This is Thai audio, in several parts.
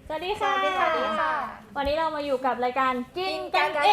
สวัสดีค่ะสวัสดีค่ะวันนี้เรามาอยู่กับรายการกินกันเอง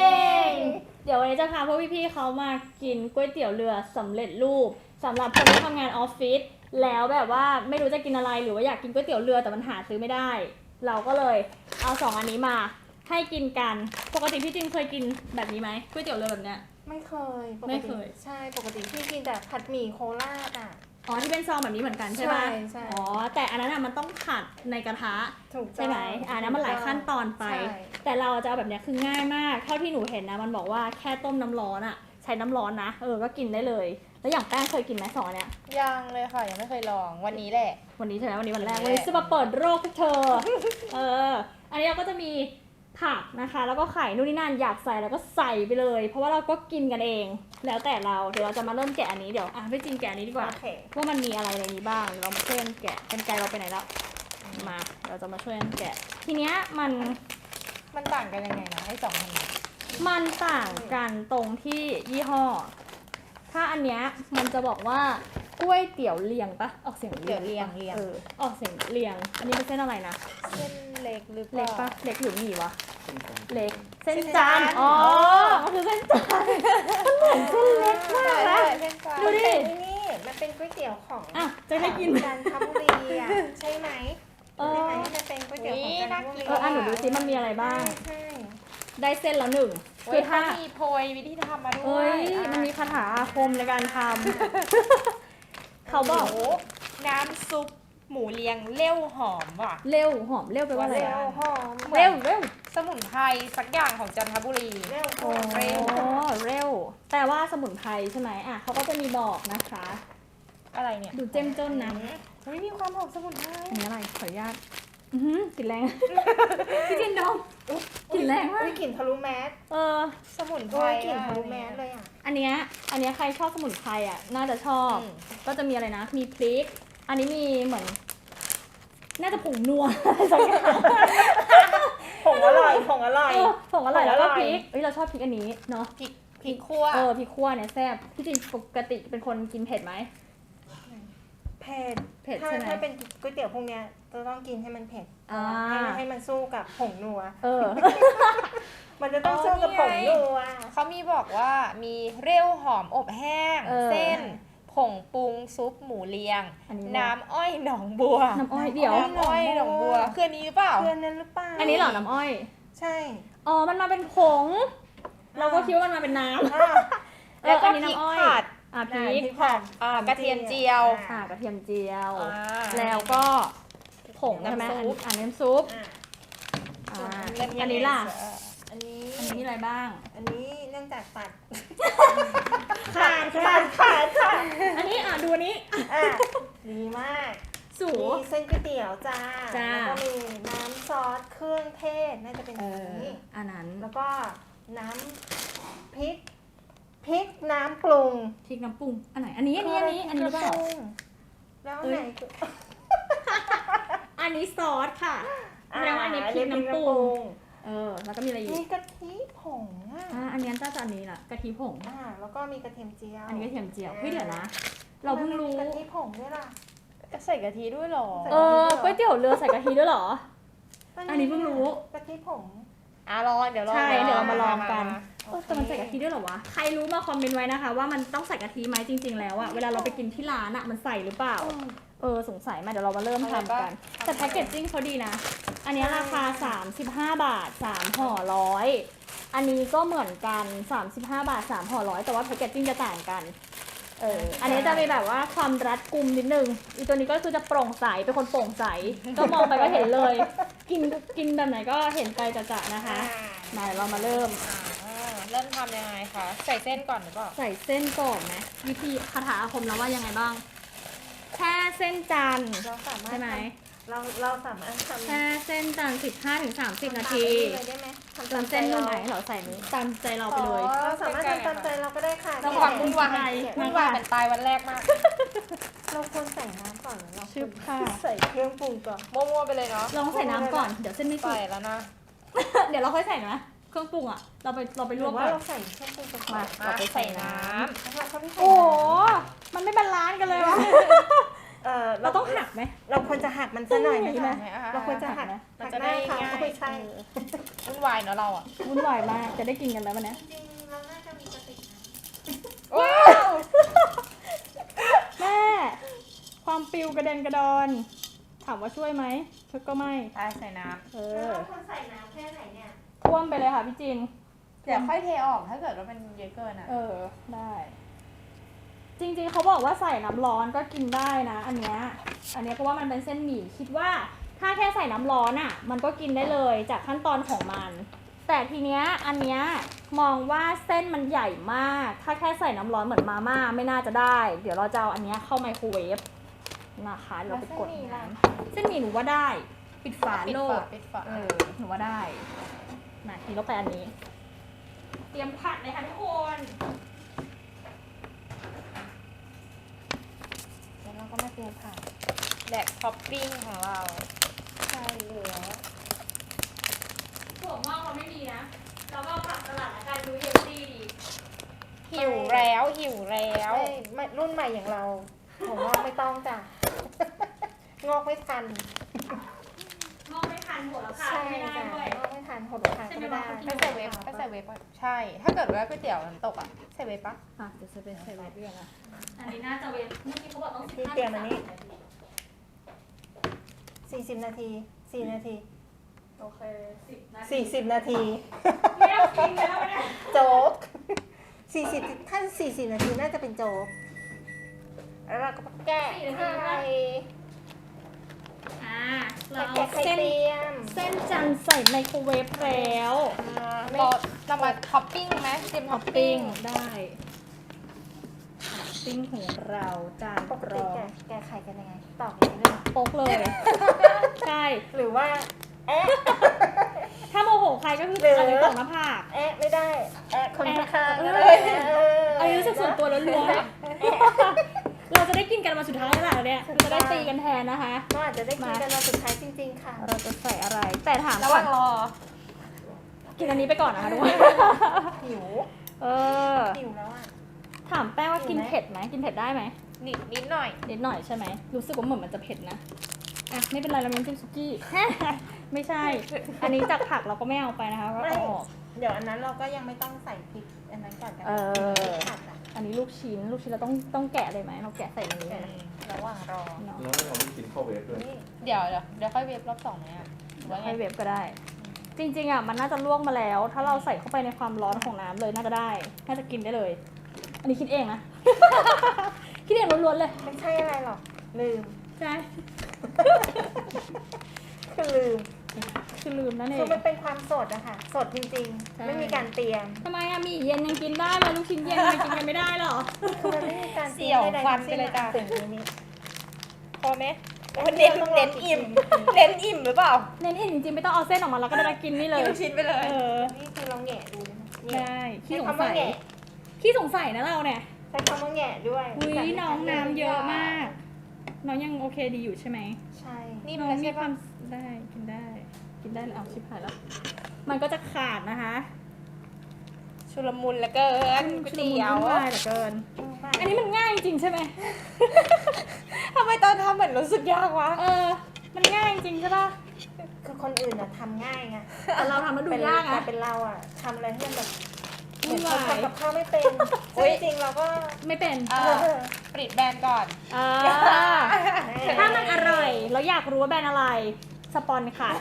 เดี๋ยววันนี้จะพาพวกพี่ๆเขามากินก๋วยเตี๋ยวเรือสำเร็จรูปสำหรับคนที่ทำงานออฟฟิศแล้วแบบว่าไม่รู้จะกินอะไรหรือว่าอยากกินก๋วยเตี๋ยวเรือแต่มันหาซื้อไม่ได้ เราก็เลยเอา2อันนี้มาให้กินกันปกติพี่จินเคยกินแบบนี้ไหมก๋วยเตี๋ยวเรือแบบเนี้ยไม่เคยปกไม่ติเคยใช่ปกติพี่กินแต่ผัดหมี่โคราชอ่ะอ๋อที่เป็นซองแบบนี้เหมือนกันใช่ไหมใช่อ๋อแต่อันนั้นมันต้องผัดในกระทะถูกต้องใช่ไหมอันนั้นมันหลายขั้นตอนไปใช่แต่เราจะเอาแบบเนี้ยคือง่ายมาก เท่าที่หนูเห็นนะ มันบอกว่าแค่ต้มน้ำร้อนอะใช้น้ำร้อนนะ ก็กินได้เลย แล้วอย่างแป้งเคยกินไหม2อันเนี้ยยังเลยค่ะยังไม่เคยลองวันนี้แหละวันนี้ใช่ไหมวันนี้วันแรกวัวันนแรกนี้จะมาเปิดโรคให้เธอ อันนี้เราก็จะมีผักนะคะ แล้วก็ไข่นู่นนี่นั่นอยากใส่แล้วก็ใส่ไปเลย เพราะว่าเราก็กินกันเอง แล้วแต่เรา เดี๋ยวเราจะมาเริ่มแกะอันนี้ เดี๋ยวพี่จินแกะอันนี้ดีกว่าโอเคว่ามันมีอะไรในนี้บ้างเดี๋ยวเรามาช่วยกันแกะกันไกลเราไปไหนแล้ว มา เราจะมาช่วยกันแกะ ทีเนี้ยมันต่างกันยังไงนะไอ้สองอันนี้มันต่างกันตรงที่ยี่ห้อ ถ้าอันเนี้ยมันจะบอกว่าก๋วยเตี๋ยวเลียงปะออกเสียงเดี๋ยวเรียงออกเสียงเลียง อันนี้เป็นเส้นอะไรนะเส้นเล็กหรือเปเล็กล่าปะเล็กหรือหมี่วะ เล็ก เส้นเส้นจานจานอ๋อมันคือเส้นจานมันเหมือนเส้นเล็กมากนะเส้นกลางดูดิแต่นี่มันเป็นก๋วยเตี๋ยวของอ่ะจะให้กินจันทบุรีอ่ะใช่ไหมเออใช่ไหมมันเป็นก๋วยเตี๋ยวของจันทบุรีหนูดูซิมันมีอะไรบ้างใช่ได้เส้นละหนึ่งคืคือ อถ้าถ้ามีโพยวิธีทำมาด้วเอ้ยย มันมีคาถาอาคมในการทำ เขาบอกโโหน้ำซุปหมูเลียงเลี้ยวหอมว่ะเร็วหอมเร็วไปลว่าอะไรเร็อะวหอมเหมือนเร็วเร็วสมุนไพรสักอย่างของจันทบุรีเร็วหโอ้อมเร็วเร็ว แต่ว่าสมุนไพรใช่ไหมอ่ะเขาก็จะมีบอกนะคะอะไรเนี่ยดูเจ้มจนนะเฮ้ยมีความหอมสมุนไพรอันนี้อะไรขออนุญาตกลิ่นแรง พี่จินดมกลิ่นแรงมากอุ้ยกลิ่นทะลุแมสสมุนไพโอ้รยกลิ่นทะลุแมสเลยอ่ะอันเนี้ยใครชอบสมุนไพรอ่ะน่าจะชอบ ก็จะมีอะไรนะ มีพริก อันนี้มีเหมือน น่าจะผงนัว อะไรสักอย่างผงอร่อยผงอร่อยผงอร่อยแล้วก็ผงอร่อยพริกเราชอบพริกอันนี้เนาะพริกคั่วพริกขั่วเนี่ยแซ่บพี่จินปกติเป็นคนกินเผ็ดไหมเผ็ดเผ็ดถ้าใช่ไหมถ้าเป็นก๋วยเตี๋ยวพวกเนี้ยจะต้องกินให้มันเผ็ดอ่าให้มันสู้กับผงนัวอมันจะต้องสู้กับผงนัวเขามีบอกว่ามีเร็วหอมอบแห้ง เส้น ผงปรุงซุปหมูเลียงอันนี้น้ำอ้อยหนองบัวน้ำอ้อยเดี๋ยวน้ำอ้อยหนองบัวคืออันนี้หรือเปล่าเพื่อนนั้นหรือเปล่าอันนี้เหรอน้ำอ้อยใช่อ๋อ มันมาเป็นผง เราก็คิดว่ามันมาเป็นน้ำอ่ะแล้วก็อันนี้พริกน้ำอ้อยผัดพริกผัดกระเทียมเจียวกระเทียมเจียวอ่าแล้วก็ผงใช่ไหมน้ำซุปน้ำซุปอ่ะอ่ากระเทียมอันนี้ล่ะอันนี้อันนี้มีอะไรบ้างอันนี้เนื่องจากตัดขาด อันนี้ดูอันนี้อ่ะดีมากสูมีเส้นก๋วยเตี๋ยวจ้าจ้าแล้วก็มีน้ำซอสเครื่องเทศน่าจะเป็นอันนี้อันนั้นแล้วก็น้ำพริกน้ำปรุงพริกน้ำปรุง อันไหน อันนี้หรือเปล่าแล้วเอ้ยไหนอันนี้ซอสค่ะแสดงว่าอันนี้พริกน้ำปรุง แล้วก็มีอะไรอีมีกกะทิผงอ่ะอันนี้น่าจะอันนี้ล่ะกะทิผงแล้วก็มีกระเทียมเจียวอันนี้กระเทียมเจียวเฮ้ยเดี๋ยวนะ เราเพิ่งรู้กะทิผงด้วยล่ะใส่กะทิด้วยเหรอก๋วยเตี๋ยวเรือใส่กะทิด้วยเหรอ อันนี้เพิ่งรู้กะทิผงลองเดี๋ยวลองใช่เดี๋ยวเรามาลองกันโอเคแต่มันใส่กะทิด้วยเหรอวะ ใครรู้มาคอมเมนต์ไว้นะคะ ว่ามันต้องใส่กะทิไหมจริง ๆ แล้วอะเวลาเราไปกินที่ร้านอะมันใส่หรือเปล่า สงสัยมาเดี๋ยวเรามาเริ่มทำกัน แต่แพ็กเกจจิ้งเขาดีนะ อันนี้ราคา 35 บาท 3 ห่อร้อยอันนี้ก็เหมือนกัน 35 บาท 3 ห่อร้อยแต่ว่าแพ็กเกจจิ้งจะต่างกัน อันนี้จะมีแบบว่าความรัดกุมนิดนึง อีตัวนี้ก็คือจะโปร่งใส เป็นคนโปร่งใส ก็มองไปก็เห็นเลย กินแบบไหนก็เห็นไปจะๆนะคะ มาเดี๋ยวเรามาเริ่มเริ่มทำยังไงคะใส่เส้นก่อนหรือเปล่าใส่เส้นก่อนไหมวิธีคาถาอาคมแล้วว่ายังไงบ้าง แค่เส้นจันทร์เราสามารถใช่ไหมเราสามารถทำแค่เส้นจันทร์15-30 นาทีเลยได้ไหมทำเติมเส้นตัวไหนเราใส่นี้ตามใจเราไปเลยเราสามารถทำตามใจเราก็ได้ค่ะต้องความวุ่นวายแกะวุ่นวายเป็นตายวันแรกมากเราควรใส่น้ำก่อนหรือเราชึบค่ะใส่เครื่องปรุงก่อนมั่วๆไปเลยเนาะลองใส่น้ำก่อน เดี๋ยวเส้นไม่สุกใส่แล้วนะเดี๋ยวเราค่อยใส่นะ เครื่องปรุงอ่ะ เราไปหลรืวอก ว่าก่อนเราใส่เครื่องปรุงก่อนมาเราไปใส่น้แล้วเขาไม่ใส่โอ้โหน้ำมันไม่บาลานซ์กันเลยวะเราต้องหักไหมเราควรจะหักมันซะหน่อยไหมต้องคะอย่างนี้เราควรจะหักมันจะได้หักหน้ง่ายค่ะไม่ใช่วุ่นวายเนาะเราอ่ะวุ่นวายมากจะได้กินกันแล้ววันนี้จริงๆเราน่าจะมีกระติกน้ว้าวแม่ ความปิวกระเด็นกระดอน ถามว่าช่วยไหมช่วยก็ไม่ตายใส่น้เอำอเราควรใส่น้ำแค่ไหนเนี่ยท่วมไปเลยค่ะพี่จินำเดี๋ยวค่อยเทออกถ้าเกิดว่ามันเยอะเกินอ่ะเออ ได้ จริงๆเขาบอกว่าใส่น้ำร้อนก็กินได้นะ อันเนี้ยเพราะว่ามันเป็นเส้นหมี่คิดว่าถ้าแค่ใส่น้ำร้อนอ่ะ มันก็กินได้เลยจากขั้นตอนของมัน แต่ทีเนี้ยอันเนี้ยมองว่าเส้นมันใหญ่มาก ถ้าแค่ใส่น้ำร้อนเหมือนมาม่าไม่น่าจะได้ เดี๋ยวเราจะเอาอันเนี้ยเข้าไมโครเวฟนะคะเดี๋ยวเราไปกดน้ำเส้นหมี่หนูว่าได้ ปิดฝาปิดโลฝาดปิดฝาเออหนูว่าได้มาทีเราไปอันนี้ เตรียมผัดเลยค่ะทุกคนแล้วเราก็มาเตรียมผักแดกท็อปปิ้งของเราใช่เหลือถั่วงอกเราไม่มีนะ เราก็ผักสลัดละกันดูเฮลตี้ดีหิวแล้วหิวแล้วไม่รุ่นใหม่อย่างเราผมว่าไม่ต้องจ้ะ งอกไม่ทันงอกไม่ทันหัวละค่ะใช่ไม่ได้จ้ะด้วยงอกไม่ทันหดทางก็ไม่ได้ก็ใส่เวฟก็ใส่เวฟใช่ ถ้าเกิดว่าก๋วยเตี๋ยวน้ำตกอ่ะใส่เวฟปะอ่ะเดี๋ยวจะเป็นใส่ไว้ด้วยนะอันนี้น่าจะเวฟเมื่อกี้เขาบอกต้องที่เตรียมอันนี้ 40 นาที 4 นาทีโอเค10 นาที 40 นาทีไม่เอากินแล้วเนี่ยโจ๊ก 40ถ้า40 นาทีน่าจะเป็นโจ๊ก แล้วเราก็แกะไข่อ่าเราแกะเอาไข่เส้นเตรียมเส้นจันทร์ใส่ไมโครเวฟแล้วเรามาท็อปปิ้งไหมเตรียมท็ท็ออปปปิ้ปิ้งงได้ท็อปปิ้งของเราจานปกรติองแกะไข่กันยังไง ตอกอย่างนี้เลยโป๊กเลย ใช่หรือว่า แอะถ้าโมโหใครก็คือหรืออันนี้ตกหน้าผากแอะไม่ได้ แอะคนข้างๆก็เอได้อันนี้รู้สึกส่วนตัวล้วนๆเราจะได้กินกันมาสุดท้ายแล้วล่ะเนี่ยเราจะได้ตีกันแทนนะคะก็อาจจะได้กินกันมาสุดท้ายจริง ๆ ค่ะเราจะใส่อะไร แต่ถามระหก่อว่าน งรอกินอันนี้ไปก่อนนะคะทุกคนหิวเออหิวแล้วอ่ะถามแป้งว่ากินเผ็ดไหมกินเผ็ดได้ไหมนิดหน่อยนิดหน่อยใช่ไหมรู้สึกว่าเหมือนมันจะเผ็ดนะอ่ะไม่เป็นไรเราไม่ต้องจิ้มซุกี้ ไม่ใช่ อันนี้จากผักเราก็ไม่เอาไปนะคะก็ไม่เอาออกเดี๋ยวอันนั้นเราก็ยังไม่ต้องใส่พริกอันนั้นก่อนกันเออผัดอ่ะอันนี้ลูกชิ้นเราต้องแกะเลยไหมเราแกะใส่ในนี้เลยนะระหว่างรอเนาะแล้วเราไม่กินข้าวเวฟด้วยนี่เดี๋ยวค่อยเวฟรอบสองไหมอ่ะหรือว่าไงให้เวฟก็ได้ จริงๆอ่ะมันน่าจะลวกมาแล้ว ถ้าเราใส่เข้าไปในความร้อนของน้ำเลยน่าจะได้ น่าจะกินได้เลย อันนี้คิดเองนะ คิดเองล้วนๆเลยไม่ใช่อะไรหรอก ลืมใช่คือลืมคือลืมนั่นเอคือง มันเป็นความสดอะค่ะ สดจริงใช่ๆ ไม่มีการเตรียมทำไมอะหมี่เย็นยังกินได้เลยลูกชิ้นเย็นยังกินกันไม่ได้หรอคือมันไม่มีการเตรีเสี่ยยมวใดๆฟันทั้งไปเลยจ้ะสิ่งนี้พอไหมเน้นอิ่มเน้นอิ่มหรือเปล่าเน้นเห็นจริงๆไม่ต้องเอาเส้นออกมาแล้วก็ได้กินนี่เลยกินลูกชิ้นไปเลยเออนี่คือเราแหงะดูนะเนี่ยได้ขี้ใช้สงคำว่าสัยแหงะขี้สงสัยนะเราเนี่ยใช้คำว่าแหงะด้วยอุ้ยน้องน้ำเยอะมาก น้องยังโอเคดีอยู่ใช่ไหมใช่นี่น้มัอน งมีใช่ควาปะมได้กินได้เลยเอาชิบหายแล้ว มันก็จะขาดนะคะชุลมุนเหลือเกินก๋วยเตี๋ยวชุลมุนวุ่นวายเหลือเกิน อันนี้มันง่ายจริงๆใช่ไหมทำไมตอนทำเหมือนรู้สึกยากวะเออ มันง่ายจริงใช่ป่ะคือคนอื่นอะทำง่ายไงแต่เราทำแล้วดูยากแต่อะเป็นเราอะทำอะไรที่มันแบบเหมืวุ่อนนเขาวายทำกับข้าวไม่เป็นอุ๊ซึ่งยจริงๆเราก็ไม่เป็นปริดแบรนด์ก่อนอ่าถ้ามันอร่อยแล้วอยากรู้ว่าแบรนด์อะไร สปอนค่ะ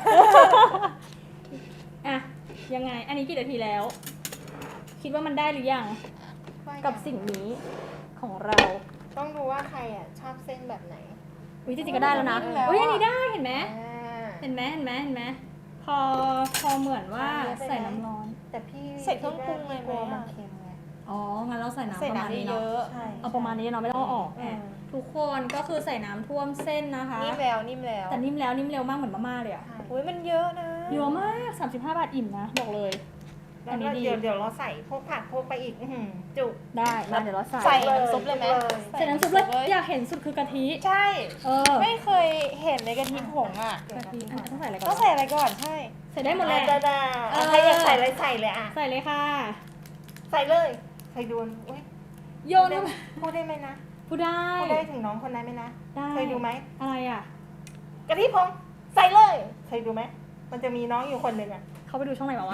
อ่ะ ยังไง อันนี้กี่นาทีแล้ว คิดว่ามันได้หรือยัง กับสิ่งนี้ของเราต้องดูว่าใครอะชอบเส้นแบบไหนวิจริงๆก็ได้แล้วนะนิ่มแล้วอะอุ้ยอันนี้ได้เห็นไหมอ่าเห็นไหมพอเหมือนว่าใส่น้ำร้อนแต่พี่ใส่เครื่องปรุงเลยไหมกลัวอะมันเค็มไงอ๋อ งั้นเราใส่น้ำใส่ประมาณน้ำนี้เยเนาะอะใช่เอาประมาณนี้เนาะไม่ต้องเอาออกอืมทุกคนก็คือใส่น้ำท่วมเส้นนะคะนิ่มแล้วนิ่มแล้วแต่นิ่มแล้วนิ่มเร็วมากเหมือนมาม่าเลยอะใช่อุ้ยมันเยอะนะเยอะมาก 35 บาทอิ่มนะ บอกเลยแล้วอันนี้ก็ดีเดี๋ยวเราใส่พวกผักพวกไปอีกอื้อหือจุกได้มาเดี๋ยวเราใส่ใส่น้ำซุปเลยไหมใส่น้ำซุปเลยอยากเห็นสุดคือกะทิใช่เออไม่เคยเห็นในกะทิผงอ่ะกะทิอันต้องใส่อะไรก่อนต้องใส่อะไรก่อน ใช่ใส่ได้หมดเลยได้ใครอยากใส่อะไรใส่เลยอ่ะใส่เลยค่ะใส่เลยใส่ดวนอุ้ยโยนเข้าไปพูดได้ไหมนะพพูดได้พูดได้ถึงน้องคนนั้นไหมนะได้เคยดูไหมอะไรอ่ะกะทิพงใส่เลยเคยดูไหมมันจะมีน้องอยู่คนหนึ่งอ่ะเขาไปดูช่องไหนมาวะ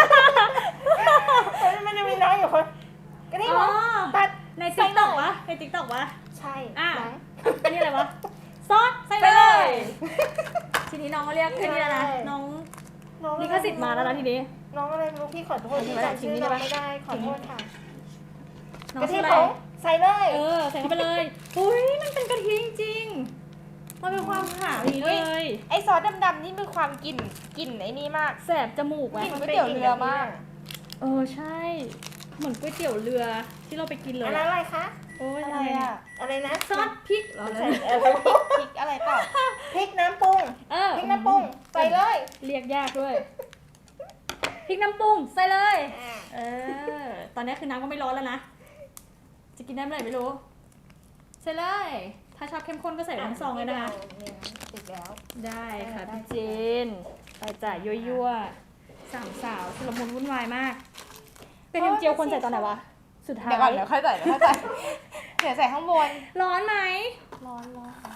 มันจะมีน้องอยู่คนกะทิพงตัดในติ๊กต็อกวะในติ๊กต็อกวะใช่อ่ะมั้งอันนี้อะไรวะ ซอสใส่เลย ทีนี้น้องก็เรียกอันนี้แล้วนะ น้องน้องลิขสิทธิ์มาแล้วนะทีนี้น้องอะไรไม่รู้พี่ขอโทษที่จำชื่อน้องไม่ได้ขอโทษค่ะน้องกะทิชื่ออะไรผงใส่เลยใส่เข้าไปเลย อุ้ยมันเป็นกะทิจริงๆมันเป็นความขาวอย่างนี้เลยไอซอสดำๆนี่มีความกลิ่นไอ้นี่มากแสบจมูกไหมกลิ่นก๋วยเตี๋ยวเรือมากใช่ เหมือนก๋วยเตี๋ยวเรือที่เราไปกินเลยอันนั้นอะไรคะโอ้ยอะอะไร ไรอ่ะอะอะไรนะซอสพริกเหรอใส่พริกอะไรเปล่าพริกน้ำปรุงพริกน้ำปรุงใส่เลยเรียกยากด้วยพริกน้ำปรุงใส่เลย ตอนนี้คือน้ำก็ไม่ร้อนแล้วนะ จะกินได้เมื่อไหร่ไม่รู้ ใส่เลย ถ้าชอบเข้มข้นก็ใส่ทั้งซองเลยนะคะติดแล้วได้ค่ะได้พี่เจนไปจ่ายยั่วๆสามสาวชุลมุนวุ่นวายมากเป็นเทียมเจียวคนใส่ตอนไหนวะ สุดท้ายเดี๋ยวก่อนเดี๋ยวค่อยใส่เดี๋ยวใส่ข้างบนร้อนไหมร้อนมาแล้ว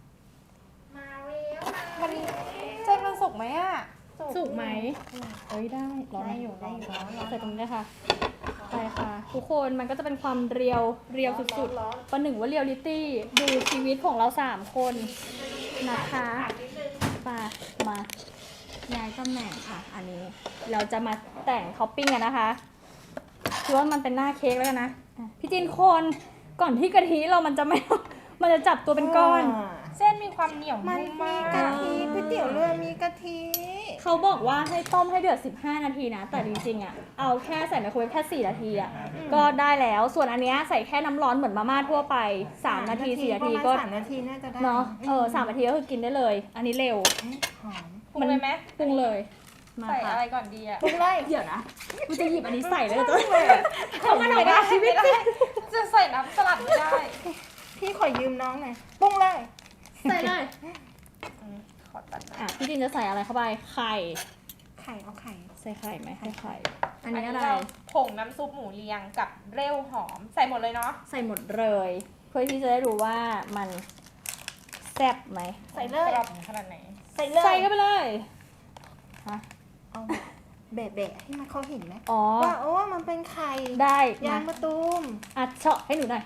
มันเส้นมันสุกไหมอ่ะสุกไหมเอ้ยได้ร้อนไหมได้อยู่ได้อยู่ใส่ตรงนี้เลยค่ะไปค่ะ ทุกคนมันก็จะเป็นความเรียวสุดๆประหนึ่งว่าเรียลลิตี้ดูชีวิตของเรา3คนนะคะมาย้ายตำแหน่งค่ะ อันนี้เราจะมาแต่งท็อปปิ้งกันนะคะคือว่ามันเป็นหน้าเค้กแล้วกันนะพี่จินคนก่อนที่กะทิเรามันจะไม่ มันจะจับตัวเป็นก้อนเส้นมีความเหนียวมันนุ่มมีมากะทิก๋วยเตี๋ยวเรือมีกะทิเขาบอกว่าให้ต้มให้เดือด15 นาทีนะ แต่จริงๆอ่ะเอาแค่ใส่ไมโครเวฟแค่4 นาทีอ่ะก็ได้แล้ว ส่วนอันเนี้ยใส่แค่น้ำร้อนเหมือนมาม่าทั่วไป3 นาที4 นาทีก็ 3 นาทีน่าจะได้เนาะ3 นาทีก็คือกินได้เลย อันนี้เร็วหอมปรุงเลยไหมปรุงเลยมาใส่ค่ะอะไรก่อนดีอ่ะปรุงเลยเดี๋ยวนะกูจะหยิบอันนี้ใส่เลยจะเขามาหน่อยนะชีวิตไม่ได้จะใส่น้ำสลัดไม่ได้พี่ขอยืมน้องหน่อยปรุงเลยใส่เลยขอตัดนะพี่จินจะใส่อะไรเข้าไปไข่ไข่เอาไข่ใส่ไข่ไหมใส่ไข่อันนี้อะไรเราผงน้ำซุปหมูเรียงกับเร็วหอมใส่หมดเลยเนาะใส่หมดเลย เพื่อที่จะได้รู้ว่ามันแซ่บไหมใส่เลกยรอบขนาดไหนใส่เลยใส่เข้าไปเลยฮะเอาแบะๆให้มันเขาเห็นไหมอ๋อว่าโอ้มันเป็นไข่ได้ยางมามะตูมอัดเฉาะให้หนูหน่อย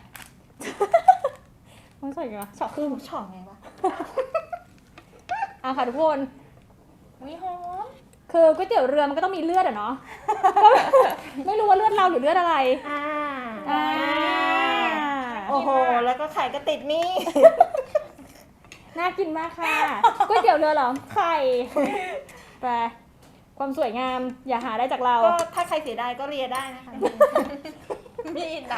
มันใส่กันวะเฉาะครึ่งช่องไงวะอ่ะค่ะทุกคนวิหอมคือก๋วยเตี๋ยวเรือมันก็ต้องมีเลือดอะเนาะ ก็ไม่รู้ว่าเลือดเราหรือเลือดอะไรอ่าอ่าโอ้โหแล้วก็ไข่ก็ติดนี่น่ากินมากค่ะก๋วยเตี๋ยวเรือเหรอไข่ไปความสวยงามอย่าหาได้จากเราก็ถ้าใครเสียดายก็เรียได้นะคะมีดนะ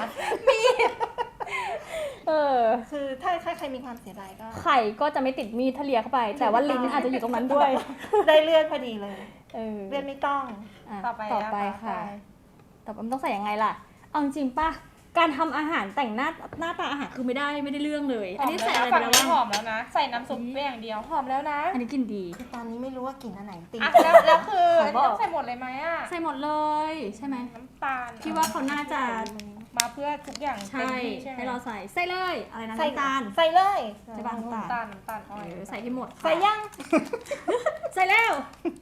เออคือถ้าใครมีความเสียดายก็ไข่ก็จะไม่ติดมีดทะเลียเข้าไป แต่ว่าลิ้นอาจจะอยู่ตรงนั้นด้วยได้เลือดพอดีเลยเออเลือดไม่ต้องอ่ะต่อไปต่อไปค่ะ ต่อไปมันต้องใส่ยังไงล่ะ เอาจริงๆป่ะ การทำอาหารแต่งหน้าตาอาหารคือไม่ได้เรื่องเลยหอันอมนี้แล้วใส่นะอะไรไปฝั่งแล้วนี้หอบ้างมแล้วนะ ใส่น้ำซุปไปอย่างเดียวหอมแล้วนะอันนี้กลินดีคือตอนนี้ไม่รู้ว่ากลิ่นอันไหนติดอ่ะแล้วคือขออันบนี้อกต้องใส่หมดเลยไหมอ่ะใส่หมดเลยใช่ไหมน้ำตาลพี่ว่าเขาน่าจะมาเพื่อทุกอย่างเต็ใช่มที่ใช่ไหมให้เราใส่ ใส่เลย อะไรนะใส่น้ำตาลใส่เลยใช่ป่ะน้ำตาลน้ำตาลอ้อยใส่ให้หมดใส่ยังใส่แล้ว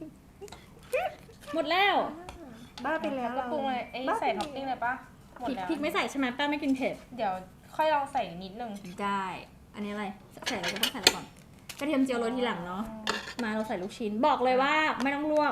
หมดแล้วบ้าไปแล้วก็ปรุงเลยใส่ท็อปปิ้งเลยปะหมดพริกแล้วพริกไม่ใส่ใช่ไหมแป้งไม่กินเผ็ดเดี๋ยวค่อยลองใส่นิดนึงได้ อันนี้อะไร ใส่อะไรก็ต้องใส่อะไรก่อน กระเทียมเจียวโรยทีหลังเนาะ มาเราใส่ลูกชิ้น บอกเลยว่าไม่ต้องลวก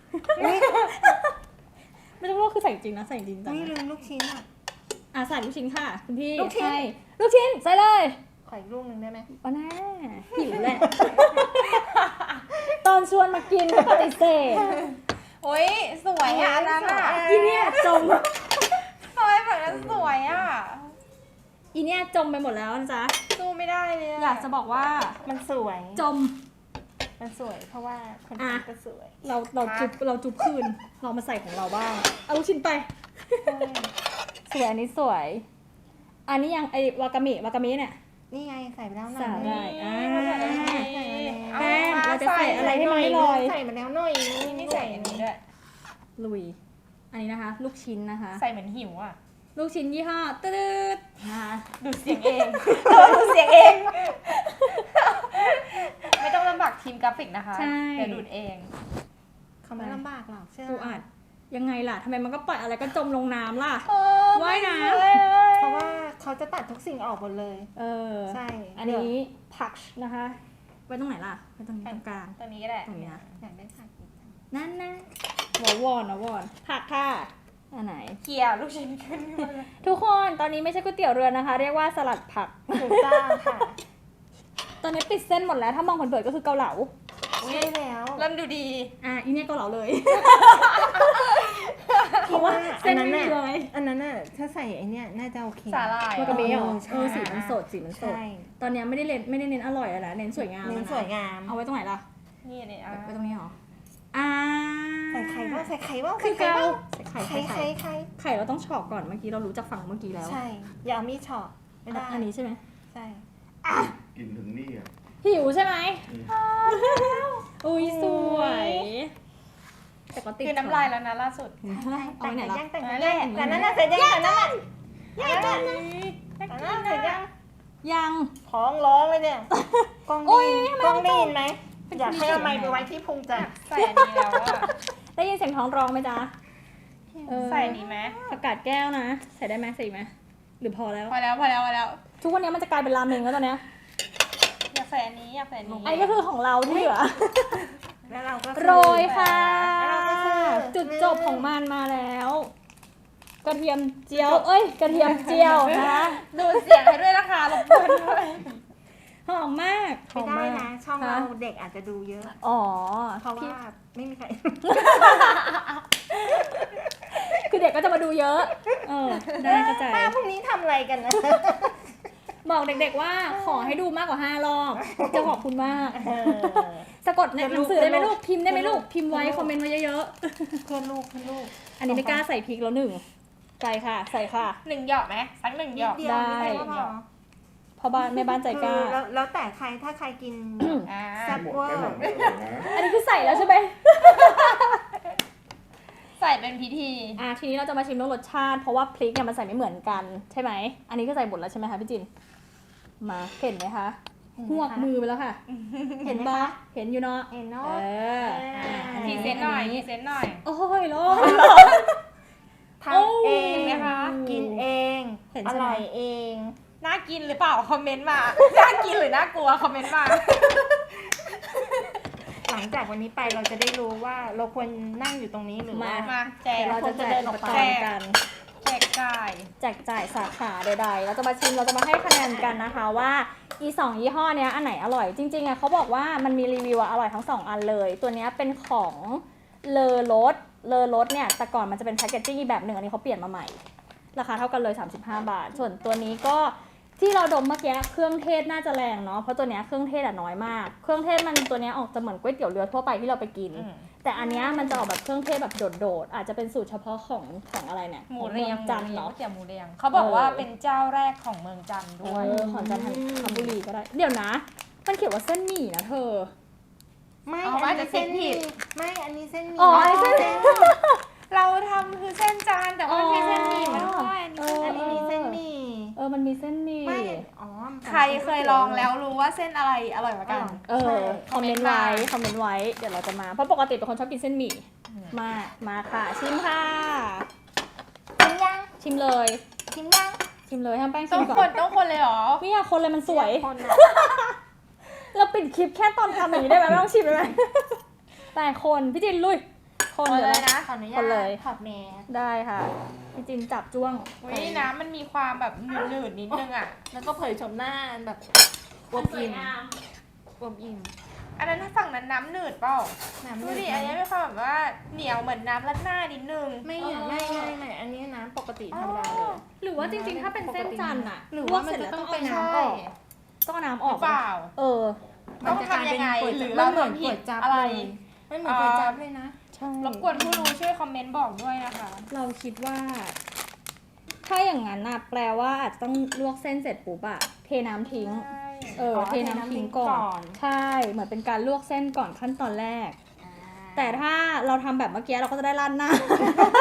ไม่ต้องลวกคือใส่จริงนะ ใส่จริงจังนี่นะลืมลูกชิ้นอ่ะใส่ลูกชิ้นค่ะคุณพี่ลูกชิ้นใช่ลูกชิ้นใส่เลยขออีกลูกหนึ่งได้ไหมป้าแน่หิวแหละ ตอนชวนมากินก็ปฏิเสธโอ้ยสวยอ่ะอันนั้นอ่ะอีเนี่ยจมทำไมแบบนั้นสวยอ่ะอีเนี่ยจมไปหมดแล้วนะจ๊ะสู้ไม่ได้เลยอยากจะบอกว่ามันสวยจมมันสวย เพราะว่าคนอ่ะทำก็สวยเราจุบคืน เรามาใส่ของเราบ้าง เอาลูกชิ้นไป สวยอันนี้สวย อันนี้ยังไอวากามิเนี่ยนี่ไงใส่ไปแล้วหน่สาอยหร่ายใส่แป้งเราจะใส่อะไรให้มันไม่ลอยใส่มาแล้วหน่อยนี่ไม่ใส่อันนี้ด้วยลุย อันนี้นะคะ ลูกชิ้นนะคะใส่เหมือนหิวอ่ะลูกชิ้นยี่ห้อตืดนะคะดูดเสียงเองดูดเสียงเอง ไม่ต้องลำบากทีมกราฟิกนะคะเดี๋ยวดูดเองเขาไม่ลำบากหรอกเชื่อปูอัดยังไงล่ะทำไมมันก็ปล่อยอะไรก็จมลงน้ำล่ะไม่ว่ายน้ำเลยเพราะว่าเขาจะตัดทุกสิ่งออกหมดเลยเออใช่อันนี้ผักนะคะไว้ตรงไหนล่ะไว้ตรงนี้ตรงกลางตัวนี้ก็ได้ตรงนี้นะอยากได้ผักอีกจังนั่นนะวอนนะวอนผักค่ะอันไหนเกี่ยวลูกชิ้นขึ้นมาเลยทุกคนตอนนี้ไม่ใช่ก๋วยเตี๋ยวเรือนะคะ เรียกว่าสลัดผักถูกต้องค่ะตอนนี้ปิดเส้นหมดแล้วถ้ามองเผินๆก็คือเกาเหลาใช่แล้วเริ่มดูดีอีเนี่ยเกาเหลาเลยเพราะว่าเส้อันนไม่นั้นมีน่ะเลยอันนั้นน่ะถ้าใส่ไอเนี้ยน่าจะโอเคสาหร่ายมันก็มีเหรอใช่สีมันสดสีมันสดใช่ตอนนี้ไม่ได้เน้นอร่อยแล้วนะเน้นสวยงามเน้นแล้วะสวยงามเอาไว้ตรงไหนล่ะนี่นี่อ่ะไว้ตรงนี้เหรอใส่ไข่บ้างใส่ไข่บ้างคือใส่ไข่เกาบ้างใส่ไข่ไข่ไข่ไข่ไข่ไข่เราต้องเฉอกก่อนเมื่อกี้เรารู้จากฝั่งเมื่อกี้แล้วใช่อย่าเอามีดเฉาะไม่ได้อันนี้ใช่ไหมใช่กินถึงนี่อ่ะหิวใช่ไหมอืมอุ้ยสวยแต่ก็ติดคือน้ำลายแล้วนะล่าสุดเอาไว้ไหนล่ะแต่งเอายัไว้งแหละแต่นั้นน่ะเสร็จยังแต่นั้นน่ะแต่นั้นน่ะเสร็จยังยังท้องร้องเลยเนี่ยกล้องโอ๊ได้ยยินกล้องได้ยินไหมเป็นอยากให้คนที่เอาไมค์เขีไปยนไว้ที่พุงจัดใส่อันนี้แล้วอะได้ยินเสียงท้องร้องไหมจ๊ะเออใส่อันนี้ไหมประกาศแก้วนะ ใส่ได้ไหมใส่อีกไหมหรือพอแล้วพอแล้วพอแล้วพอแล้วทุกวันนี้มันจะกลายเป็นราเมงแล้วตอนเนี้ยอยากใส่อันนี้อยากใส่อันนี้ไอ้ก็คือของเราที่เหลือแล้วเราก็คือโรยค่ะแล้วเราก็คือจุดจบของมันมาแล้ว กระเทียมเจียว เอ้ย กระเทียมเจียวนะคะดูดเสียงให้ด้วยนะคะรบกวนด้วยหอมมากหไม่อมได้มากนะ ช่องเราเด็กอาจจะดูเยอะอ๋อเพราะว่าไม่มีใครคือเด็กก็จะมาดูเยอะ เออ ได้เข้าใจป้าพวกนี้ทำอะไรกันนะบอกเด็กๆว่าขอให้ดูมากกว่า5 รอบ จะขอบคุณมาก สะกดในหนังสือได้ไหมลูก พิมพ์ได้ไหมลูก พิมพ์ไว้ คอมเมนต์ไว้เยอะเพื่อนลูกเพื่อนลูกๆ อันนี้ไม่กล้าใส่พริกแล้วหนึ่งใส่ค่ะ ใส่ค่ะหนึ่งหยอกไหมสักหนึ่งหยอกเดียวได้ไม่ใช่ว่าพอพ่อบ้านแม่บ้านใจกล้าคือแล้วแต่ใครถ้าใครกินอ่าแซ่บหมดไม่หมดไม่หมดนะอันนี้คือใส่แล้วใช่ไหมใส่เป็นพิธีทีนี้เราจะมาชิมเรื่องรสชาติ เพราะว่าพริกเนี่ยมันใส่ไม่เหมือนกันใช่ไหม อันนี้ก็ใส่หมดแล้วใช่ไหมคะพี่จิน มาเห็นไหมคะหวกมือไปแล้วค่ะเห็นไหมปะคะเห็นอยู่เนาะเห็นเอเนาะออันพรีนี้เซนต์หน่อยพรีเซนต์หน่อยโอ้ยร้อนทำเองนะคะกินเองเห็นอใช่ไหมร่อยเองน่ากินหรือเปล่าคอมเมนต์มา น่ากินหรือน่ากลัวคอมเมนต์มาหลังจากวันนี้ไปเราจะได้รู้ว่าเราควรนั่งอยู่ตรงนี้หรือว่ามาแจกเดี๋ยวเราจะแจกอุปกรณ์กันแจกจ่ายแจกจ่ายสาขาใดๆ เราจะมาชิมเราจะมาให้คะแนนกันนะคะว่าอี2ยี่ห้อเนี้ยอันไหนอร่อยจริงๆอะเขาบอกว่ามันมีรีวิวอะอร่อยทั้ง2อันเลย ตัวเนี้ยเป็นของเลอรสเนี่ยแต่ก่อนมันจะเป็นแพคเกจจิ้งอีกแบบหนึ่งอันนี้เขาเปลี่ยนมาใหม่ราคาเท่ากันเลย35 บาท ส่วนตัวนี้ก็ที่เราดมเมื่อกี้เครื่องเทศน่าจะแรงเนาะเพราะตัวเนี้ยเครื่องเทศอะน้อยมากเครื่องเทศมันตัวเนี้ยออกจะเหมือนก๋วยเตี๋ยวเรือทั่วไปที่เราไปกิน แต่อันเนี้ยมันจะออกแบบเครื่องเทศแบบโดดๆอาจจะเป็นสูตรเฉพาะของอะไรเนี่ยหมูเรียงของมือจันทร์เหรอก๋วยเตี๋ยวหมูเรียงเขาบอกว่าเป็นเจ้าแรกของเมืองจันทร์ด้วยของจันทบุรีก็ได้ เดี๋ยวนะ มันเขียนว่าเส้นหมี่นะเธอไม่เอาอันว่านี้จะเส้นเส้นผิผิดดไม่อันนี้เส้นหมี่อ๋ออันนี้เส้นเราทำคือเส้นจานแต่ว่ามันมีเส้นหมี่มาด้วยอันนี้มีเส้นหมี่มันมีเส้นหมี่ไม่อ๋อมันใครเคยลองแล้วรู้ว่าเส้นอะไรอร่อยกว่ากันคอมเมนต์ไว้คอมเมนต์ไว้ เดี๋ยวเราจะมา เพราะปกติเป็นคนชอบกินเส้นหมี่ มาค่ะ ชิมค่ะชิมยังชิมเลยชิมยังชิมเลยให้แป้งชิต้อมงก่อคน นต้องคนเลยเหรอไม่อยากคนเลยมันสวยคนอะเราปิดคลิปแค่ตอนทำอย่างนี้ได้ไหมไม่ต้องชิมได้ไหมแต่คนพี่จินลุย คนคนเดี๋ยวเลยนะนะขออนุญาคนเลยตถอดแมสได้ค่ะ พี่จินจับจ้วงอุ้ยน้ำมันมีความแบบหนืดๆนิดนึงอ่ะแล้วก็เผยชมหน้าแบบอวบอิ่มอวบอิ่มอันนั้นถ้าฝั่งนั้นน้ำหนืดเปล่าน้ำดูดิอันนี้มีความแบบว่าเหนียวเหมือนน้ำรัดหน้านิดนึงไม่อันนี้น้ำปกติธรรมดาเลยหรือว่าจริงๆ ถ้าเป็นเส้นจันทร์อะหรือลวว่าก มันเสร็จจะแล้วต้ต้ออง งเป็เอานน้ำน้ำออออก กต้องเอาน้ำอหอรืกอเปล่า ต้องทำยังไงหรือเราเหมือนผิก๋วดยจั๊บอะไรเลยมันเหมือนก๋วยจั๊บเลยนะใช่รบกวนผู้รู้ช่วยคอมเมนต์บอกด้วยนะคะเราคิดว่า ถ้าอย่างนั้นน่ะแปลว่าอาจจะต้องลวกเส้นเสร็จปุ๊บอะเทน้ำทิ้ง เทน้ำทิ้งก่อน ใช่ เหมือนเป็นการลวกเส้นก่อนขั้นตอนแรก แต่ถ้าเราทำแบบเมื่อกี้เราก็จะได้ราดหน้า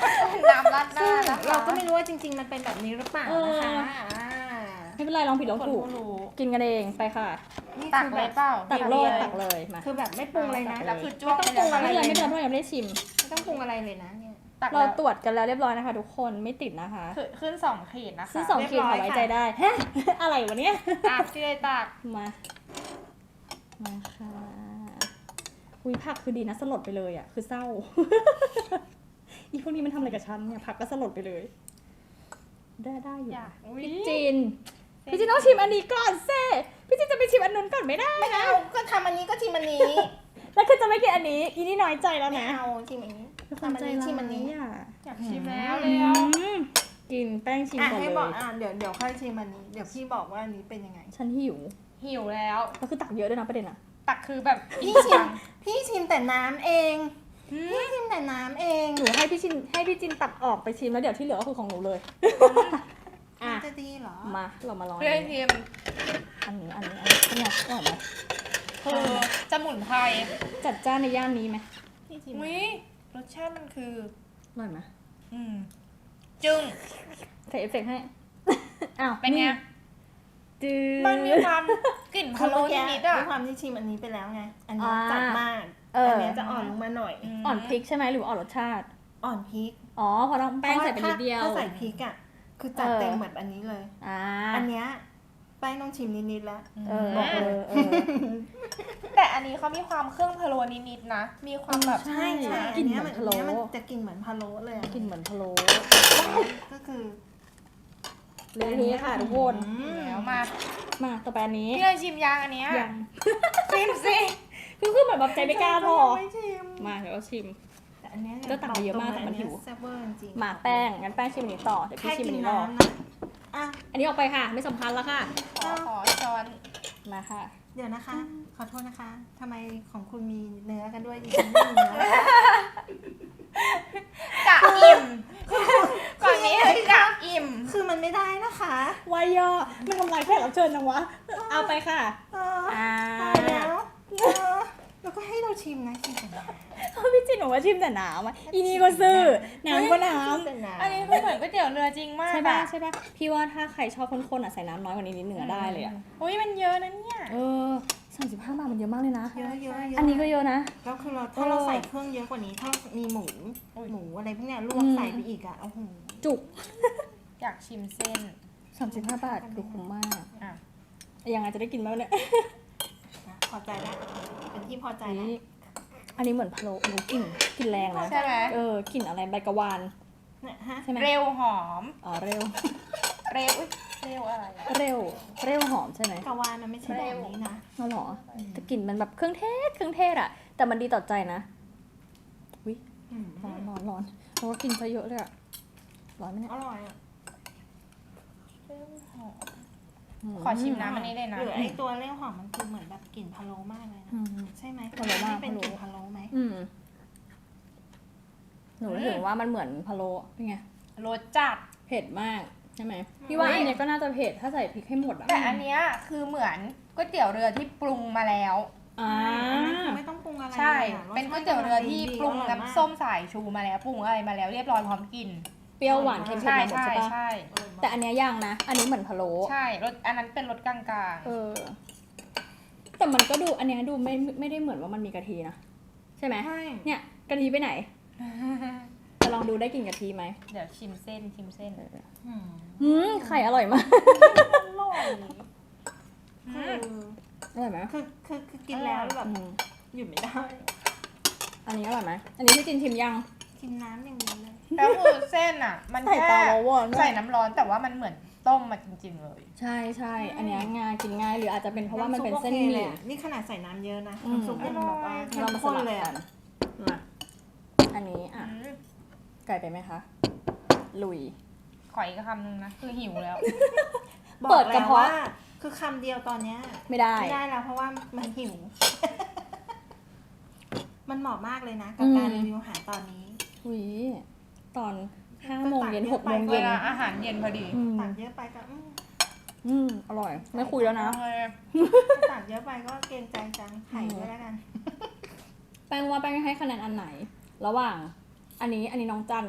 น้ำราดหน้านะคะเราก็ไม่รู้ว่าจริง ๆ มันเป็นแบบนี้หรือเปล่านะคะาไม่เป็นไรลองผิดลองถูกคนรู้กินกันเองไปค่ะนี่ตักคือเลแบยบเปล่าตักโลดดีตักเลยมาคือแบบไม่ปรุงเลยนะแล้วคือจ้วงไม่ต้องปรุงอะไรไม่เป็นไรไม่เป็นไรเพราะยังไม่ได้ชิมไม่ต้องปรุงอะไรเลยนะเนี่ยตักเราแล้วตรวจกันแล้วเรียบร้อยนะคะทุกคนไม่ติดนะคะขึ้น2 ขีดนะคะซื้อ2 ขีดค่ะไว้ใจได้ฮะอะไรวะเนี่ยอ่ะที่ได้ตักมาค่ะอุ้ยผักคือดีนะสลดไปเลยอ่ะคือเศร้า อีพวกนี้มันทำอะไรกับฉันเนี่ยผักก็สลดไปเลย ได้อยู่อยากอุ๊ยพี่จินต้องชิมอันนี้ก่อนเซ่พี่จินจะไปชิมอันนู้นก่อนไม่ได้ไม่นะเอาก็ทำอันนี้ก็ชิมอันนี้แล้วคือจะไม่กินอันนี้อีนี่น้อยใจแล้วไม่นะเอาชิมอันนี้คือคนทำอันใจนี้ร้ายชิมอันนี้อ่ะอยากชิมแล้วอืเลยอ่ะมกินแป้งชิมอ่ะก่อนให้เลบอกยเดี๋ยวค่อยชิมอันนี้เดี๋ยวพี่บอกว่าอันนี้เป็นยังไงฉันหิวหิวแล้วก็คือตักเยอะด้วยนะประเด็นอ่ะตักคือแบบพี่ชิมแต่น้ำเองพี่ชิมแต่น้ำเองหนูให้พี่จินตักออกไปชิมแล้วเดี๋ยวที่เหลือก็คือของหนูเลยอ่ะจะดีเหรอมาเรามาลองเพื่ออันชินี้มอันนี้เนี่ยอร่อยไหมคือสมุนไพรจัดจ้านในย่านนี้ไหมพี่ชิมวิรสชาติมันคืออร่อยไหมจึ้งใส่เอฟเฟกต์ให้ อ้าวเป็นไงจืดมันมีความกลิ่นคืพะอโล้เมื่อกี้นิดๆอ่ะด้วยความที่ชิมอันนี้ไปแล้วไง อันนี้อ่าจัดมากเอออัอันเนี้ยจะอ่อนลงมาหน่อยอ่อนพริกใช่ไหมหรือว่าอ่อนรสชาติอ่อนพริกอ๋อเพอน้องแป้งใส่ไปนิดเดียวถ้าใส่พริกอ่ะ คือจัดเต็มแบบอันนี้เลยอ่าอันเนี้ยแป้งต้องชิมนิดๆแล้วเออบอกเลยแต่อันนี้เขามีความเครื่องพะโล้นิดๆนะ มีความแบบใช่ใช่กลิ่นอัเหมือนพะโล้อันเนี้ยมันจะกินเหมือนพะโล้เลยอะกลิ่นเหมือนพะโล้ก็คือเรื่องนี้ค่ะทุกคนแล้วมามาต่อไปอันนี้พี่เลยชิมยางอันเนี้ยยังชิมสิคือเหมือนแบบใจไม่กล้าพอไม่ชิมมาเดี๋ยวเราชิมแต่อันเนี้ยก็ตักมาเยอะมากแต่มันหิวแซ่บเวอร์จริงๆมาแป้งงั้นแป้งชิมอันนี้ต่อเดี๋ยวพี่แค่ชิมกิอันนนี้รอน้ำนะอ่ะอันนี้ออกไปค่ะ ไม่สำคัญแล้วค่ะขอช้อนมาค่ะเดี๋ยวนะคะ ขอโทษนะคะทำไมของคุณมีเนื้อกันด้วยดิฉันไม่มีเนื้อกะอิ่มก่อนนี้คือกะอิ่มคือมันไม่ได้นะคะวายอมันทำลายแขกรับเชิญจังวะ เอาไปค่ะเอออ่าตายแล้วแล้วก็ให้เราชิมนะชิมแต่น้ำพี่จินบอกว่าชิมแต่น้ำอ่ะอีนี่ก็ซื้อ น้ำก็น้ชิมแต่น้ำอันนี้คือเหมือนก๋วยเตี๋ยวเรือจริงมาำกใช่ป่ะอะใช่ป่ะ พี่ว่าถ้าใครชอบข้นๆอ่ะใส่น้ำน้อยกว่านี้นิดนึงอะได้เลยอ่ะอุ้ยมันเยอะนะเนี่ยเออ35 บาทมันเยอะมากเลยนะเยอะเยอะเยอะอันนี้ก็เยอะนะแล้วคือเราถ้าเราใส่เครื่องเยอะกว่านี้ ถ้ามีหมูอะไรพวกเนี้ยลวกใส่ไปอีกอ่ะโอ้โหจุกอยากชิมเส้น 35 บาทคือคุ้มมากอ่ะยังไงจะได้กินไหมวะเนี่ยนะพอใจแล้วเป็นที่พอใจอันแล้วนี้อันนี้เหมือนพะโล้หนูกลิ่นแรงนะใช่ไหมกลิ่นอะไรใบกระวานเนี่ยฮะใช่ไหมเร็วหอมอ๋อเร็วเร็วอุ๊ยเร็วอะไรอะเร็วหอมใช่ไหมกะวานมันไม่ใช่แบบนี้นะอ๋อเหรอแต่กลิ่นมันแบบเครื่องเทศอะแต่มันดีต่อใจนะวิอืมร้อนเพราะว่ากินซะเยอะเลยอะร้อนไหมเนี่ยอร่อยอ่ะเร็วหอมมขอชิมน้ำอันนี้เลยนะหรือไอตัวเลี้ยวหอมมันคือเหมือนแบบกลิ่นพะโล้มากเลยนะอืมใช่ไหมพะโล้มากเป็นกลิ่นพะโล้ไหมอืมหนูรู้สึกว่ามันเหมือนพะโล้เป็นไงรสจัดเผ็ดมากใช่ไหมพี่ว่าอันเนี้ยก็น่าจะเผ็ดถ้าใส่พริกให้หมดอะแต่อันเนี้ยคือเหมือนก๋วยเตี๋ยวเรือที่ปรุงมาแล้วอ่าคือไม่ต้องปรุงอะไรใช่ลอะเป็นก๋วยเตี๋ยวเรือที่ปรุงออยมากน้ำส้มสายชูมาแล้วปรุงอะไรมาแล้วเรียบร้อยพร้อมกินเปรี้ยวหวานเค็มเผ็ดใช่มาหมดใช่ใช่ปะใช่แต่อันเนี้ยยังนะ อันนี้เหมือนพะโล้ใช่รสอันนั้นเป็นรสกลางเออ แต่มันก็ดูอันเนี้ยดูไม่ได้เหมือนว่ามันมีกะทินะใช่ไหมใช่เนี่ยกะทิไปไหนๆจะลองดูได้กลิ่นกะทิไหมเดี๋ยวชิมเส้นชิมเส้นอืมไข่อร่อยมากอร่อยอืคือมอร่อยไหมคือกินแล้วแบบอืมหยุดไม่ได้อันนี้อร่อยไหมอันนี้พี่จินชิมยังกินน้ำอย่างเดียวเลยแล้วคือเส้นอ่ะ มันใส่แค่ตาเราวอนใส่น้ำร้อนแต่ว่ามันเหมือนต้มมาจริง ๆ เลยใช่ใช่อันเนี้ยง่ายกินง่ายหรืออาจจะเป็นเพราะว่ามันเป็นเส้นหำซุปโอคมี่เลยอะนี่ขนาดใส่น้ำเยอะนะอืมน้ำซุปยังแบบว่าเข้เรามมาสข้นลับเลยกัอ่ะนมาอันนี้อ่ะไก่ไปไหมคะลุยขออีกคำนึงนะ คือหิวแล้วบอกเปิดกแล้ระวเพาะว่าคือคำเดียวตอนเนี้ยไม่ได้ไม่ได้แล้วเพราะว่ามันหิว มันเหมาะมากเลยนะ กับการรีวิวอาหารตอนนี้อุ้ยตอน5 โมงเย็น 6 โมงเวเย็นลาอาหารเย็นพอดีตักเยอะไปก็อร่อย ไม่คุยแล้วนะตักเยอะไปก็เกรงใจจังไข่ด้วยแล้วกันแป้งว่าแป้งให้คะแนนอันไหน ระหว่าง อันนี้น้องจันเนาะ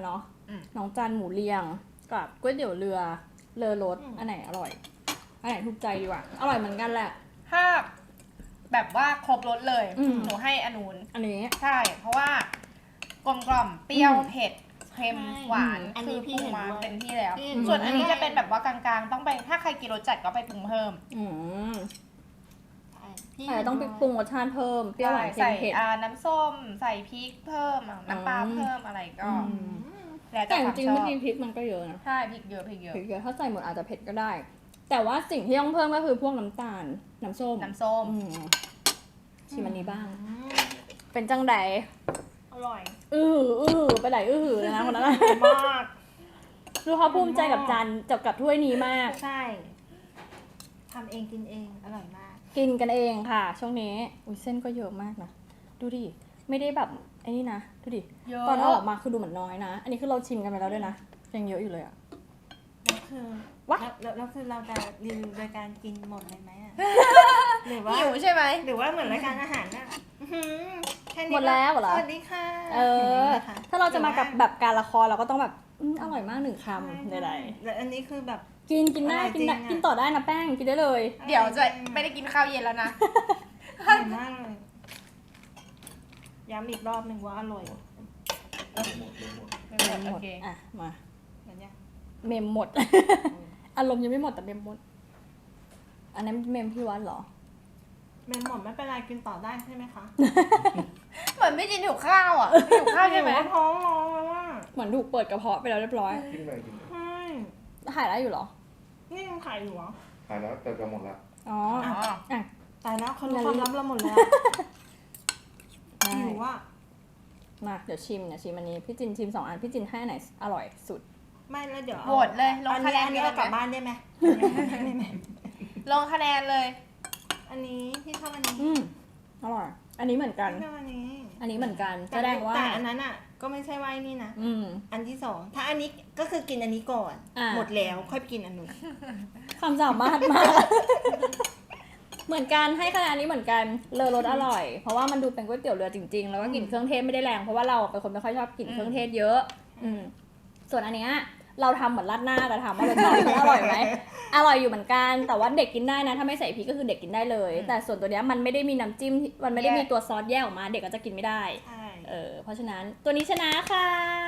น้องจันหมูเรียงกับก๋วยเตี๋ยวเรือเลอรสอันไหนอร่อยอันไหนถูกใจดีกว่าอร่อยเหมือนกันแหละถ้าแบบว่าครบรสเลยอืมหนูให้อนูนอันนี้ใช่ เพราะว่ากลมกล่อมเปรี้ยวอืมเผ็ดเค็มหวานอันนี้คือพี่ปรุงเห็นมาด้วยเต็มที่แล้วพี่เห็นด้วยส่วนอันนี้จะเป็นแบบว่ากลางๆ ต้องไปถ้าใครกินรสจัดก็ไปปรุงเพิ่มอืมพี่แต่ต้องไปปรุงรสชาติเพิ่มเปรี้ยวหวานเค็ใส่มเผ็ดน้ำส้ม ใส่พริกเพิ่มน้ำปลาอืมเพิ่มอะไรก็อืมแล้วแต่แต่จความริงชๆอเมื่อบ กี้พริกมันก็เยอะนะใช่พริกเยอะพริกเยอะพริกเยอะถ้าใส่หมดอาจจะเผ็ดก็ได้ แต่ว่าสิ่งที่ต้องเพิ่มก็คือพวกน้ำตาลน้ำส้มน้ำส้มอืมชิมอันนี้บ้าง เป็นจังไดอร่อยไปไหนเลยนะคนนั้นอะมากดูเขาภูมิใจกับจานกับถ้วยนี้มากใช่ทำเองกินเองอร่อยมากกินกันเองค่ะ ช่วงนี้อุ้ยเส้นก็เยอะมากนะดูดิไม่ได้แบบไอ้นี่นะดูดิเยอะตอนเอาออกมาคือดูเหมือนน้อยนะ อันนี้คือเราชิมกันไปแล้วด้วยนะยังเยอะอยู่เลยอะแล้วคือวะแล้วคือเราจะรีวิวโดยการกินหมดเลยไหมอะ หรือว่าหิวใช่ไหมหรือว่าเหมือนรายการอาหารน่ะอื้อหือค่นี้หมดแล้วเหรอสวัสดีค่ะเออย่งนี้นะคะถ้าเราจะมากับหรือว่แบบการละครเราก็ต้องแบบอร่อยมากหนึ่งคำใช่ใดแล้วอันนี้คือแบบๆกินได้อร่อยกินได้จริงอะกินต่อได้นะแป้งกินได้เลยเดี๋ยวจะไม่ได้กินข้าวเย็นแล้วนะอร่อยมากเลยย้ำอีกรอบหนึ่งว่าอร่อยหมดไม่หมดหโอมดเคอ่ะมาเหมือนยังเมมหมด อารมณ์ยังไม่หมดแต่เมมหมด อันนั้นเมมพี่วัดเหรอเมนหมดไม่เป็นไรกินต่อได้ใช่ไหมคะเหมือนไม่กินหิวข้าวอ่ะหิวข้าวใช่ไหมนูก็ท้องร้องแล้วว่าเหมือนถูกเปิดกระเพาะไปแล้วเรียบร้อยกินไปกินไปใช่หายได้อยู่เหรอนี่ยังขายอยู่เหรอหายแล้วแต่จะหมดละอ๋ออ๋ออ่ะตายแล้วเขารู้ความลับเราหมดแล้วได้หิวว่ามาเดี๋ยวชิมอันนี้พี่จินชิม2 อันพี่จินให้อันไหนอร่อยสุดไม่แล้วเดี๋ยวโหวตเลยลงอันคะนี้แนนอันนี้กัเรานกลับไหมบ้านได้ไหมไม่ลงคะแนนเลยอันนี้พี่ชอบอันนี้อร่อย อันนี้เหมือนกันพี่ชอบอันนี้อันนี้เหมือนกันแสดงว่าแต่อันนั้นอ่ะ ก็ไม่ใช่ว่าไอ้นี่นะอืมอันที่สองถ้าอันนี้ก็คือกินอันนี้ก่อนอ่าหมดแล้วค่อยไปกินอันนู้นความสามารถมาก เหมือนกันให้คะแนนอันนี้เหมือนกันเลอรสอร่อย เพราะว่ามันดูเป็นก๋วยเตี๋ยวเรือจริงๆ แล้วก็กลิ่นเครื่องเทศไม่ได้แรงเพราะว่าเราเป็นคนไม่ค่อยชอบกลิ่นเครื่องเทศเยอะ อืมส่วนอันเนี้ยเราทำเหมือนราดหน้าแต่ถามว่ารสชาติมันอร่อยไหมอร่อยอยู่เหมือนกันแต่ว่าเด็กกินได้นะถ้าไม่ใส่พริกก็คือเด็กกินได้เลย แต่ส่วนตัวเนี้ยมันไม่ได้มีน้ำจิ้มมันไม่ได้มีตัวซอสแยกออกมา เด็กก็จะกินไม่ได้ใช่เพราะฉะนั้นตัวนี้ชนะค่ะ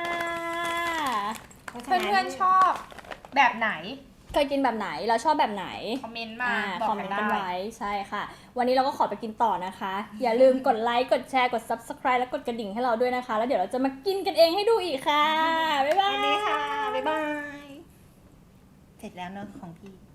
เพื่อนๆชอบแบบไหนเคยกินแบบไหนแล้วชอบแบบไหนคอมเมนต์มาคบออก มเมกันนต์กันได้ไว้ใช่ค่ะ วันนี้เราก็ขอไปกินต่อนะคะ อย่าลืมกดไลค์กดแชร์กด subscribe และกดกระดิ่งให้เราด้วยนะคะ แล้วเดี๋ยวเราจะมากินกันเองให้ดูอีกค่ะ บ๊ายบายสวัสดีค่ะ บ๊ายบาย เสร็จแล้วเนอะของพี่